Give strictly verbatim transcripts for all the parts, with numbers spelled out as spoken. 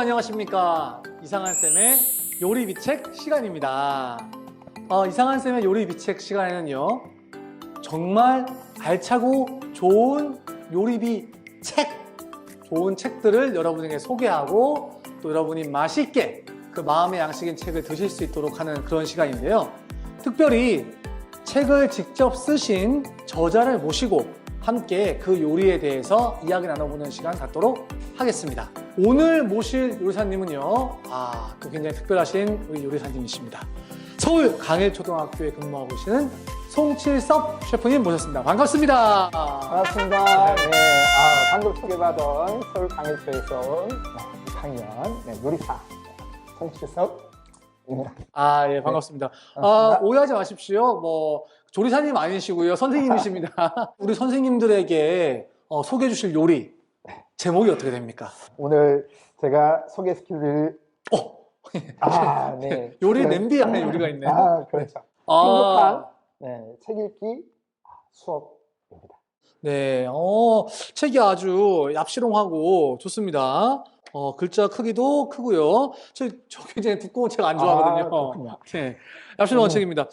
안녕하십니까. 이상한쌤의 요리비책 시간입니다. 어, 이상한쌤의 요리비책 시간에는요, 정말 알차고 좋은 요리비 책, 좋은 책들을 여러분에게 소개하고 또 여러분이 맛있게 그 마음의 양식인 책을 드실 수 있도록 하는 그런 시간인데요. 특별히 책을 직접 쓰신 저자를 모시고 함께 그 요리에 대해서 이야기 나눠보는 시간 갖도록 하겠습니다. 오늘 모실 요리사님은요, 아, 또 굉장히 특별하신 우리 요리사님이십니다. 서울 강일초등학교에 근무하고 계시는 송칠섭 셰프님 모셨습니다. 반갑습니다. 반갑습니다. 네, 아, 방금 소개받은 서울 강일초에서 온 이 학년 네, 요리사 송칠섭입니다. 아, 예, 반갑습니다. 네, 아, 반갑습니다. 오해하지 마십시오. 뭐 조리사님 아니시고요, 선생님이십니다. 우리 선생님들에게 어, 소개해 주실 요리 제목이 어떻게 됩니까? 오늘 제가 소개시켜드릴 어, 아, 네. 요리 네. 냄비 안에 요리가 있네요. 아, 그렇죠. 아, 행복한 네, 책 읽기 수업입니다. 네, 어, 책이 아주 얍시롱하고 좋습니다. 어, 글자 크기도 크고요. 저, 저 굉장히 두꺼운 책 안 아, 좋아하거든요. 그렇군요. 네, 얍시롱한 음. 책입니다.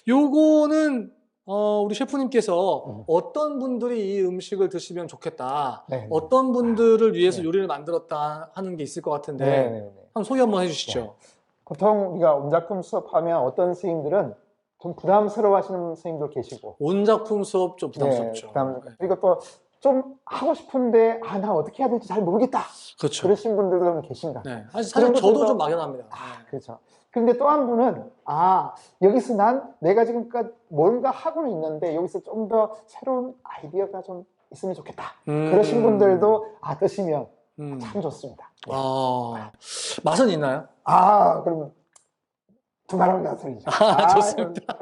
요거는 어, 우리 셰프님께서 음. 어떤 분들이 이 음식을 드시면 좋겠다, 네. 어떤 분들을 위해서 네. 요리를 만들었다 하는 게 있을 것 같은데 네, 네, 네. 한번 소개 한번 해주시죠. 네. 보통 우리가 온작품 수업하면 어떤 선생님들은 좀 부담스러워 하시는 선생님도 계시고 온작품 수업 좀 부담스럽죠. 네, 부담, 네. 그리고 또 좀 하고 싶은데 아, 나 어떻게 해야 될지 잘 모르겠다. 그렇죠. 그러신 분들도 계신가. 네. 사실, 사실 그런 저도 것들도- 좀 막연합니다. 아, 그렇죠. 근데 또 한 분은 아, 여기서 난 내가 지금까지 뭔가 하고는 있는데 여기서 좀 더 새로운 아이디어가 좀 있으면 좋겠다. 음. 그러신 분들도 아, 드시면 음. 참 좋습니다. 네. 아, 맛은 있나요? 아, 그러면 두말 한다는 소리죠. 아, 좋습니다.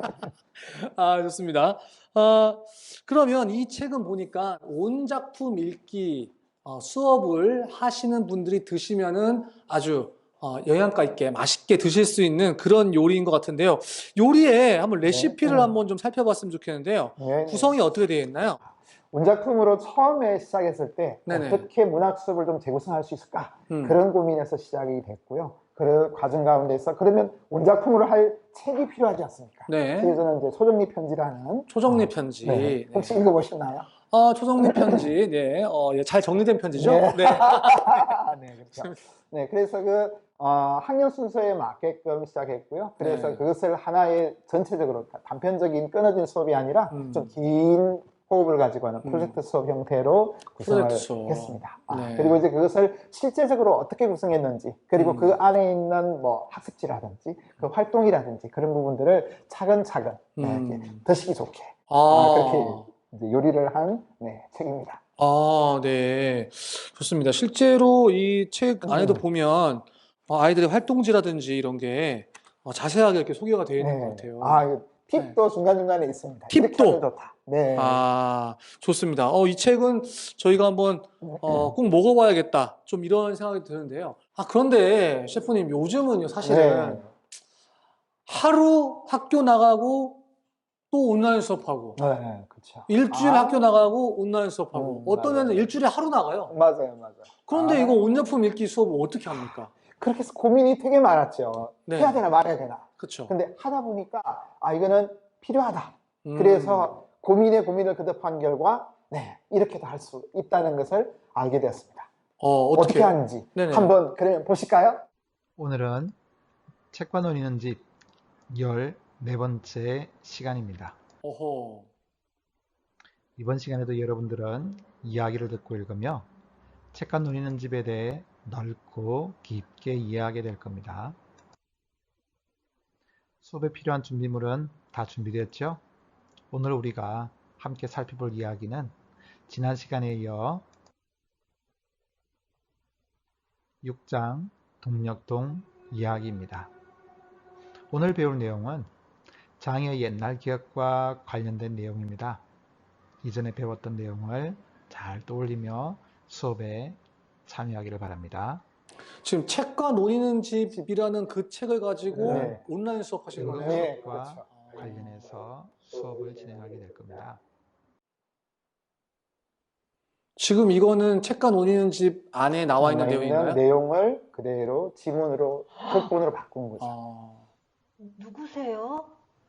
아, 좋습니다. 아, 그러면 이 책은 보니까 온작품 읽기 어, 수업을 하시는 분들이 드시면은 아주 어, 영양가 있게 맛있게 드실 수 있는 그런 요리인 것 같은데요. 요리에 한번 레시피를 네. 한번 좀 살펴봤으면 좋겠는데요. 네. 구성이 어떻게 되어 있나요? 원작품으로 처음에 시작했을 때 네네. 어떻게 문학 수업을 좀 재구성할 수 있을까 음. 그런 고민에서 시작이 됐고요. 그 과정 가운데서 그러면 원작품으로 할 책이 필요하지 않습니까? 네. 그래서 이제 초정리 편지라는 초정리 편지. 네. 네. 혹시 읽어보셨나요? 아, 초정리 편지. 네. 어, 예, 잘 정리된 편지죠? 네. 네. 아, 네, 그렇죠. 네, 그래서 그 어, 학년 순서에 맞게끔 시작했고요. 그래서 네. 그것을 하나의 전체적으로 단편적인 끊어진 수업이 아니라 음. 좀 긴 호흡을 가지고 하는 음. 프로젝트 수업 형태로 구성을 프로젝트 수업. 했습니다. 아, 네. 그리고 이제 그것을 실제적으로 어떻게 구성했는지, 그리고 음. 그 안에 있는 뭐 학습지라든지, 그 활동이라든지 그런 부분들을 차근차근 네, 음. 이렇게 드시기 좋게 아, 아, 그렇게 이제 요리를 한 네, 책입니다. 아, 네. 좋습니다. 실제로 이 책 안에도 음. 보면 어, 아이들의 활동지라든지 이런 게 어, 자세하게 이렇게 소개가 되어 있는 네. 것 같아요. 아, 이거 팁도 중간중간에 있습니다. 팁도? 이렇게 하면 좋다. 네. 아, 좋습니다. 어, 이 책은 저희가 한번 어, 꼭 먹어봐야겠다. 좀 이런 생각이 드는데요. 아, 그런데 셰프님, 요즘은요, 사실은 네. 하루 학교 나가고 또 온라인 수업하고, 네, 그렇죠. 일주일 아, 학교 나가고 온라인 수업하고, 음, 어떤 애는 맞아요. 일주일에 하루 나가요. 맞아요, 맞아요. 그런데 아, 이거 온작품 읽기 수업을 어떻게 합니까? 그렇게 해서 고민이 되게 많았죠. 네. 해야 되나 말아야 되나. 그렇죠. 근데 하다 보니까 아, 이거는 필요하다. 음. 그래서 고민에 고민을 거듭한 결과 네, 이렇게도 할 수 있다는 것을 알게 되었습니다. 어, 어떻게, 어떻게 하는지 네네. 한번 그러면 보실까요? 오늘은 책과 노니는 집 열네 번째 시간입니다. 어허. 이번 시간에도 여러분들은 이야기를 듣고 읽으며 책과 노니는 집에 대해 넓고 깊게 이해하게 될 겁니다. 수업에 필요한 준비물은 다 준비되었죠? 오늘 우리가 함께 살펴볼 이야기는 지난 시간에 이어 육 장 동력동 이야기입니다. 오늘 배울 내용은 장의 옛날 기억과 관련된 내용입니다. 이전에 배웠던 내용을 잘 떠올리며 수업에 참여하기를 바랍니다. 지금 책과 노니는 집이라는 그 책을 가지고 네. 온라인 수업 하시는 네. 거네요. 네, 수업과 그렇죠. 관련해서 수업을 진행하게 될 겁니다. 지금 이거는 책과 논의는 집 안에 나와 있는 있는 내용인가요? 내용을 그대로 지문으로 극본으로 바꾼 거죠. 아, 누구세요?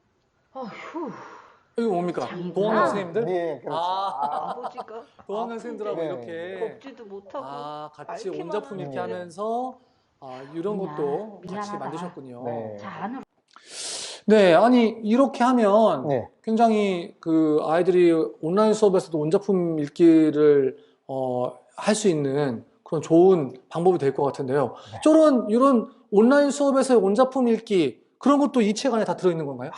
어휴, 이거 뭡니까? 장난. 도학년 선생님들? 네, 그렇죠. 아. 아, 아버지가 도학년 선생님들하고 네. 이렇게 걷지도 못하고 아, 같이 앓기만 온작품 이렇게 하는데. 하면서 아, 이런 미안, 것도 같이 미안하다. 만드셨군요. 네. 자 안으로 네, 아니 이렇게 하면 네. 굉장히 그 아이들이 온라인 수업에서도 원작품 읽기를 어, 할 수 있는 그런 좋은 방법이 될 것 같은데요. 네. 저런 이런 온라인 수업에서의 원작품 읽기 그런 것도 이 책 안에 다 들어있는 건가요?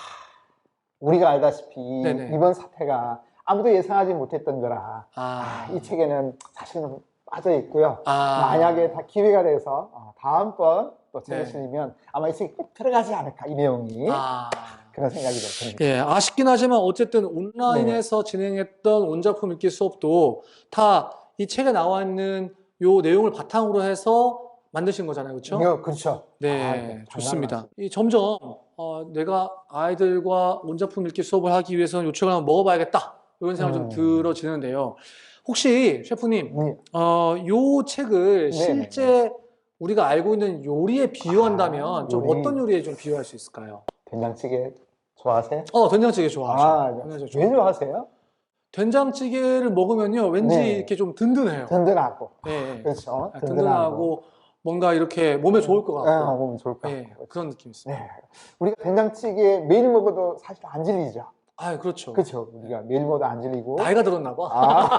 우리가 알다시피 네네. 이번 사태가 아무도 예상하지 못했던 거라 아, 이 책에는 사실은 빠져 있고요. 아, 만약에 다 기회가 돼서 어, 다음번 또 책을 네. 실리면 아마 이 책이 꼭 들어가지 않을까 이 내용이 아. 그런 생각이 좀 듭니다. 예, 아쉽긴 하지만 어쨌든 온라인에서 네. 진행했던 원작품 읽기 수업도 다 이 책에 나와 있는 요 내용을 바탕으로 해서 만드신 거잖아요, 그렇죠? 이거 그렇죠. 네, 아, 네, 좋습니다. 장난 이 점점 어, 내가 아이들과 원작품 읽기 수업을 하기 위해서는 요 책을 한번 먹어봐야겠다 이런 생각이 음. 좀 들어지는데요. 혹시 셰프님, 네. 어, 요 책을 네, 실제 우리가 알고 있는 요리에 비유한다면 아, 좀 요리. 어떤 요리에 좀 비유할 수 있을까요? 된장찌개 좋아하세요? 어, 된장찌개 좋아하죠. 아, 된장찌개 왜 좋아해요. 좋아하세요? 된장찌개를 먹으면요, 왠지 네. 이렇게 좀 든든해요. 든든하고. 예, 예. 그렇죠. 아, 든든하고 뭔가 이렇게 몸에 좋을 것 네, 같고, 몸이 좋을 것 예, 같고. 그런 느낌이 있어요. 네. 우리가 된장찌개 매일 먹어도 사실 안 질리죠. 아, 그렇죠. 그렇죠. 우리가 매일 먹어도 안 질리고. 나이가 들었나 봐.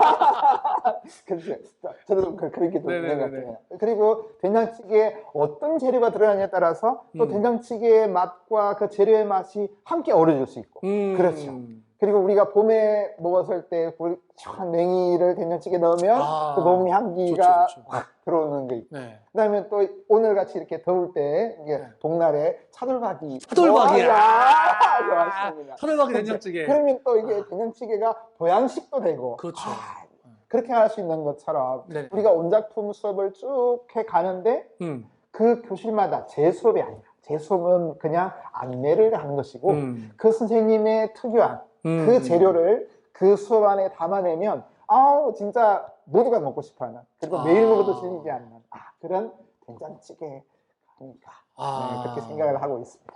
아, 그렇죠. 저도 그- 그렇게 좀 네네네네. 생각해요. 그리고 된장찌개에 어떤 재료가 들어가냐에 따라서 또 음. 된장찌개의 맛과 그 재료의 맛이 함께 어우러질 수 있고. 음, 그렇죠. 그리고 우리가 봄에 먹었을 때 그 시원한 냉이를 된장찌개에 넣으면 아, 그 봄 향기가 좋죠, 좋죠. 확 들어오는 게 있고. 네. 그다음에 또 오늘 같이 이렇게 더울 때 이게 네. 동날에 차돌박이. 차돌박이. 와, 아, 좋았습니다. 차돌박이 된장찌개. 그러면 또 이게 된장찌개가 보양식도 되고. 그렇죠. 아, 그렇게 할 수 있는 것처럼 네. 우리가 온작품 수업을 쭉 해 가는데 음, 그 교실마다 제 수업이 아니라 제 수업은 그냥 안내를 하는 것이고 음, 그 선생님의 특유한 음. 그 재료를 그 수업 안에 담아내면 아우 진짜 모두가 먹고 싶어하는 그리고 아. 매일 먹어도 질리지 않는 아, 그런 된장찌개 아닌가 아. 네, 그렇게 생각을 하고 있습니다.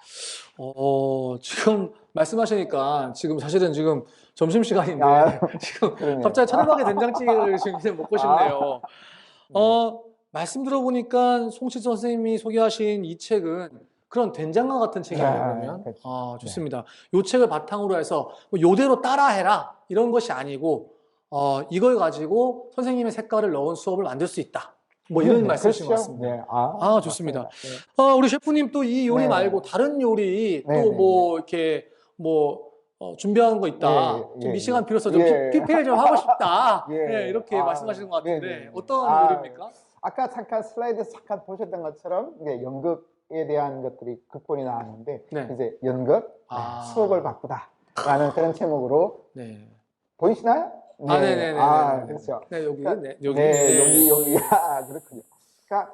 어, 지금 말씀하시니까 지금 사실은 지금 점심시간인데 아, 지금 그러네요. 갑자기 차돌박이 된장찌개를 지금 이제 먹고 싶네요. 어, 말씀 들어보니까 송치선 선생님이 소개하신 이 책은 그런 된장과 같은 책이에요, 네, 그러면. 그렇죠. 아, 좋습니다. 이 책을 바탕으로 해서 뭐 요대로 따라해라 이런 것이 아니고 어, 이걸 가지고 선생님의 색깔을 넣은 수업을 만들 수 있다. 뭐 이런 네, 말씀이신 것 그렇죠. 같습니다. 네, 아, 아, 좋습니다. 맞습니다. 네. 어, 우리 셰프님 또 이 요리 네. 말고 다른 요리 네, 또 네, 뭐 이렇게 뭐 어, 준비한 거 있다. 예, 좀 예, 이 시간 예. 빌어서 좀 예. 피, 피피엘 좀 하고 싶다. 예. 예, 이렇게 아, 말씀하시는 것 같은데 네, 네, 네. 어떤 아, 요리입니까? 아까 잠깐 슬라이드에서 잠깐 보셨던 것처럼 이제 연극에 대한 것들이 극본이 나왔는데 네. 이제 연극 아. 네, 수업을 바꾸다라는 그런 제목으로 네. 보이시나요? 아, 네네네. 아, 그렇죠. 네, 여기, 그러니까, 네, 여기. 네, 네. 여기 여기 아, 그렇군요. 그러니까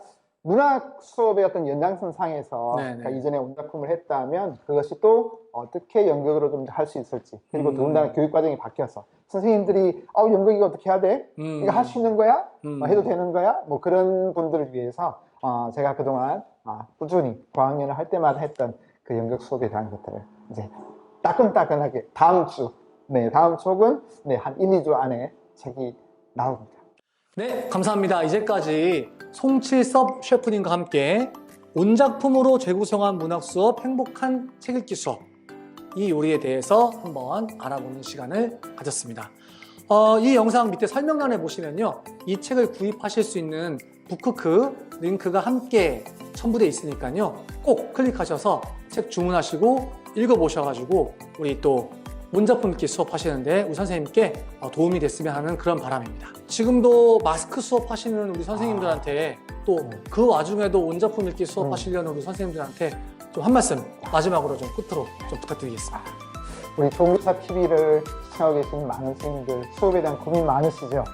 문학 수업의 어떤 연장선상에서 네네. 그러니까 이전에 온작품을 했다면 그것이 또 어떻게 연극으로 좀 할 수 있을지 그리고 음. 더군다나 교육 과정이 바뀌어서 선생님들이 어 연극 이거 어떻게 해야 돼? 음. 이거 할 수 있는 거야? 음. 뭐 해도 되는 거야? 뭐 그런 분들을 위해서 어, 제가 그동안 아, 꾸준히 고학년을 할 때마다 했던 그 연극 수업에 대한 것들을 이제 따끈따끈하게 다음 주, 네 다음 주 혹은 네, 한 일, 이 주 안에 책이 나옵니다. 네, 감사합니다. 이제까지 송칠섭 셰프님과 함께 온작품으로 재구성한 문학 수업 행복한 책 읽기 수업 이 요리에 대해서 한번 알아보는 시간을 가졌습니다. 어, 이 영상 밑에 설명란에 보시면요, 이 책을 구입하실 수 있는 북크크 링크가 함께 첨부되어 있으니까요, 꼭 클릭하셔서 책 주문하시고 읽어보셔가지고 우리 또 원작품 읽기 수업 하시는데 우리 선생님께 도움이 됐으면 하는 그런 바람입니다. 지금도 마스크 수업 하시는 우리 선생님들한테 또 그 와중에도 원작품 읽기 수업 하시려는 우리 선생님들한테 좀 한 말씀 마지막으로 좀 끝으로 좀 부탁드리겠습니다. 우리 조무사 티비를 시청하고 계신 많은 선생님들 수업에 대한 고민 많으시죠?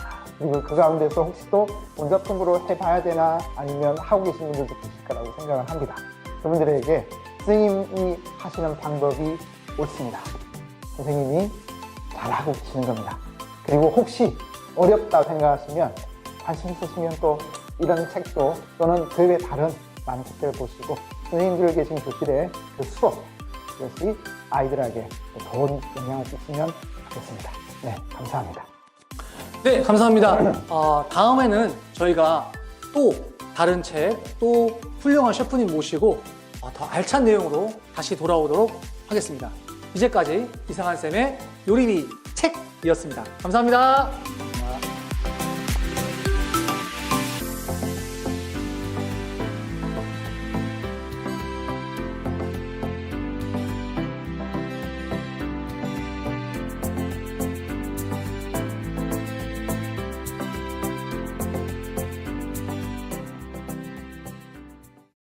그리고 그 가운데서 혹시 또 원작품으로 해봐야 되나 아니면 하고 계신 분들도 계실 거라고 생각을 합니다. 그분들에게 선생님이 하시는 방법이 옳습니다. 선생님이 잘하고 계시는 겁니다. 그리고 혹시 어렵다 생각하시면 관심 있으시면 또 이런 책도 또는 그 외 다른 많은 책들을 보시고 선생님들 계신 교실의 그 수업 이것이 아이들에게 좋은 영향을 끼치면 좋겠습니다. 네, 감사합니다. 네, 감사합니다. 어, 다음에는 저희가 또 다른 책, 또 훌륭한 셰프님 모시고 어, 더 알찬 내용으로 다시 돌아오도록 하겠습니다. 이제까지 이상한 쌤의 요리비 책이었습니다. 감사합니다.